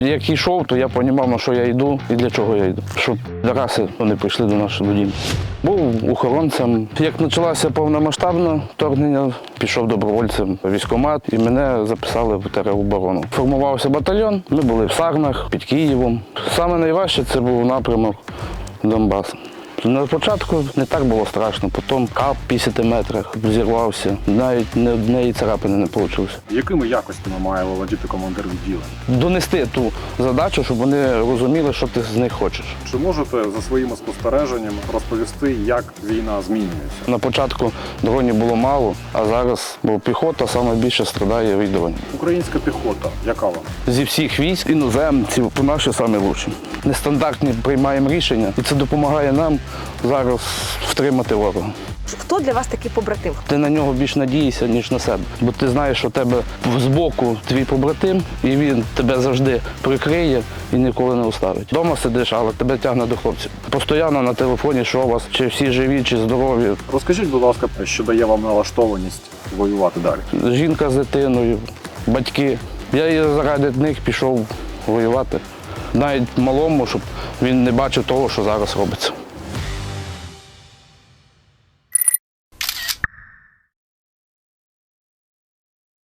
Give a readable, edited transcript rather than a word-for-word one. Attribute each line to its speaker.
Speaker 1: Як йшов, то я розумів, на що я йду і для чого я йду. Щоб раси вони прийшли до нашого дому. Був охоронцем. Як почалося повномасштабне вторгнення, пішов добровольцем в військкомат і мене записали в тероборону. Формувався батальйон, ми були в Сарнах, під Києвом. Саме найважче це був напрямок Донбас. На початку не так було страшно, потім кап в 50 метрах зірвався, навіть ні однієї царапини не вийшло.
Speaker 2: Якими якостями має володіти командир відділення?
Speaker 1: Донести ту задачу, щоб вони розуміли, що ти з них хочеш.
Speaker 2: Чи можете за своїми спостереженнями розповісти, як війна змінюється?
Speaker 1: На початку дронів було мало, а зараз, бо піхота найбільше страдає від дронів.
Speaker 2: Українська піхота, яка вона?
Speaker 1: Зі всіх військ іноземців наші найкращі. Нестандартні приймаємо рішення, і це допомагає нам зараз втримати ворога.
Speaker 3: Хто для вас такий побратим?
Speaker 1: Ти на нього більш надієшся, ніж на себе. Бо ти знаєш, що тебе збоку твій побратим, і він тебе завжди прикриє і ніколи не оставить. Дома сидиш, але тебе тягне до хлопців. Постійно на телефоні, що у вас, чи всі живі, чи здорові.
Speaker 2: Розкажіть, будь ласка, що дає вам налаштованість воювати далі?
Speaker 1: Жінка з дитиною, батьки. Я і заради них пішов воювати. Навіть малому, щоб він не бачив того, що зараз робиться.